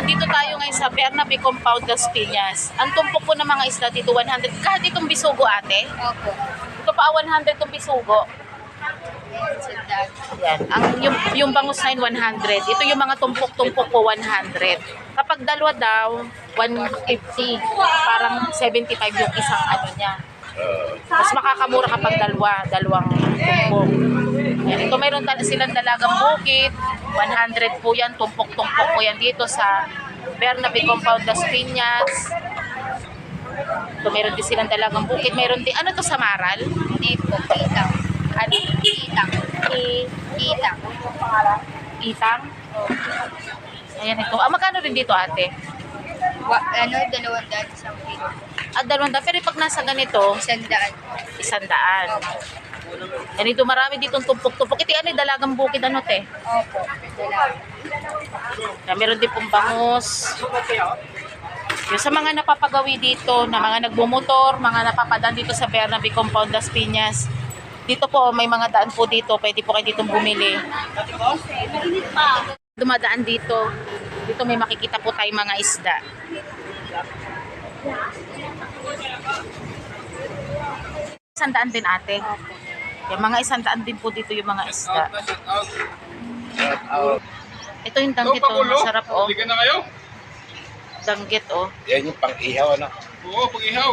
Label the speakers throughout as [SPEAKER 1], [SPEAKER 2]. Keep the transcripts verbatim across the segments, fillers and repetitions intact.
[SPEAKER 1] Dito tayo ngayon sa Bernabe Compound, Las Piñas. Ang tumpok po ng mga isda dito, one hundred. Kahit itong bisugo, ate?
[SPEAKER 2] Opo.
[SPEAKER 1] Ito pa, one hundred itong bisugo. Yan. Ang, yung, yung bangus na yun, one hundred. Ito yung mga tumpok-tumpok po, one hundred. Kapag dalawa daw, one fifty. Parang seventy-five yung isang ano niya. Mas makakamura kapag dalawa, dalawang tumpok. Yan. Ito mayroon silang dalagang bukid. one hundred po yan, tumpok-tumpok po yan dito sa Bernabe Compound, Las Piñas. Ito mayroon din silang dalagang bukid. Mayroon din, ano to sa Maral?
[SPEAKER 2] Hindi po, itang.
[SPEAKER 1] Ano?
[SPEAKER 2] Itang.
[SPEAKER 1] I,
[SPEAKER 2] Itang.
[SPEAKER 1] Itang? Ayan ito. Ah, magkano rin dito, ate?
[SPEAKER 2] Wa, ano, dalawang daan isang kilo.
[SPEAKER 1] At dalawang daan. Pero pag nasa ganito,
[SPEAKER 2] Isang daan.
[SPEAKER 1] isang daan. Ganito marami ditong tumpok-tumpok. Ito ano, dalagang bukid ano, te?
[SPEAKER 2] Opo. Dalawa.
[SPEAKER 1] Na meron din pong bangus. Yung sa mga napapagawi dito, na mga nagbumotor, mga napapadaan dito sa Bernabe Compound, Las Piñas. Dito po, may mga daan po dito. Pwede po kayo dito bumili. Dumadaan dito. Dito may makikita po tayong mga isda. Isang daan din, ate. Yung mga isang daan din po dito yung mga isda. Ito yung danggit, oh. Masarap, oh.
[SPEAKER 3] Bigyan na kayo?
[SPEAKER 1] Danggit, oh.
[SPEAKER 4] Yan yung pang-ihaw, ano?
[SPEAKER 3] Oo, pag-ihaw.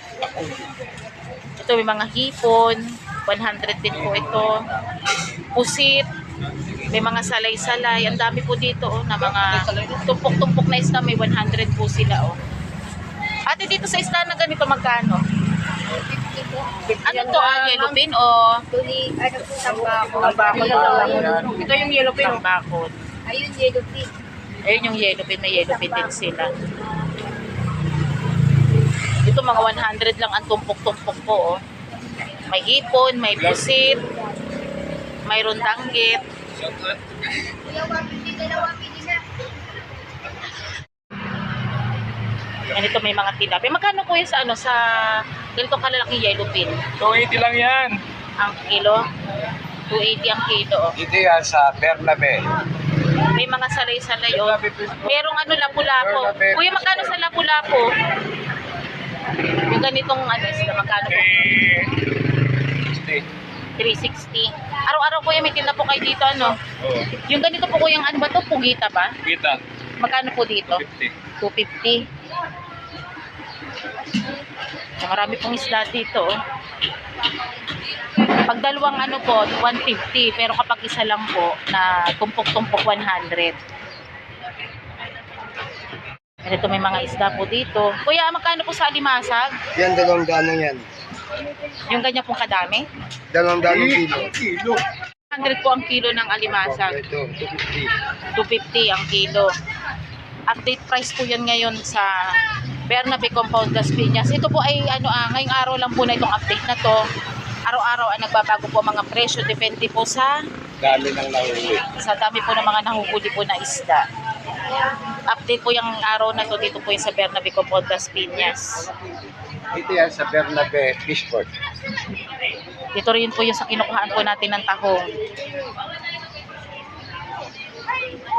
[SPEAKER 1] Ito may mga hipon. one hundred din po ito. Pusit. May mga salay-salay. Ang dami po dito, oh, na mga tumpok-tumpok na isda. May one hundred po sila, oh. Ate, dito sa isda na ganito, magkano?
[SPEAKER 2] fifty po.
[SPEAKER 1] Ano to, ah, yellow pin o
[SPEAKER 2] Tuli, ano po, tambako.
[SPEAKER 1] ito yung yellow pin o bakod?
[SPEAKER 2] Ayun, yellow pig.
[SPEAKER 1] Ayun yung yellow pin, may yellow pin din sila. Ito mga one hundred lang ang tumpok-tumpok po, oh. May hipon, may pusit, mayroon danggit.
[SPEAKER 2] Dalawa, pili, dalawa, pili na.
[SPEAKER 1] Yan, ito may mga tilapia. Magkano po yun sa ano, sa ganito kalalaking yellow pin?
[SPEAKER 3] two eighty lang yan.
[SPEAKER 1] Ang kilo? two eighty ang kilo, oh.
[SPEAKER 4] Dito yan sa Bernabe.
[SPEAKER 1] May mga salay-salay, oh. Merong ano, lapu-lapo. Kuya, magkano sa lapu-lapo? Yung ganitong ano, isla, magkano po?
[SPEAKER 3] Eh,
[SPEAKER 1] three sixty. Araw-araw kuya, may tinda po kayo dito, ano?
[SPEAKER 3] Oo.
[SPEAKER 1] Yung ganito po kuya, ano ba to? Pugita ba?
[SPEAKER 3] Kita.
[SPEAKER 1] Magkano po dito?
[SPEAKER 3] fifty.
[SPEAKER 1] two fifty. Marami pong isda dito, oh. Pag dalawang ano po, one fifty. Pero kapag isa lang po, na tumpok-tumpok, one hundred. Ito may mga isda po dito. Kuya, magkano po sa alimasag?
[SPEAKER 4] Yan, dalawang daan yan.
[SPEAKER 1] Yung ganyan pong kadami?
[SPEAKER 4] Dalawang daan ng kilo.
[SPEAKER 3] Kilo.
[SPEAKER 1] one hundred po ang kilo ng alimasag.
[SPEAKER 4] Ito, two fifty.
[SPEAKER 1] two fifty ang kilo. Update price po yan ngayon sa Bernabe Compound, Las Piñas. Ito po ay ano, ah, ngayong araw lang po na itong update na to. Araw-araw ay nagbabago po mga presyo. Depende po sa
[SPEAKER 4] Dami ng nahuli.
[SPEAKER 1] sa dami po ng mga nahuhuli po na isda. Update po yung araw na to dito po yung sa Bernabe Compound, Las Piñas.
[SPEAKER 4] Dito yan sa Bernabe Fishport.
[SPEAKER 1] Dito rin po yung sa kinukuhaan po natin ng tahong.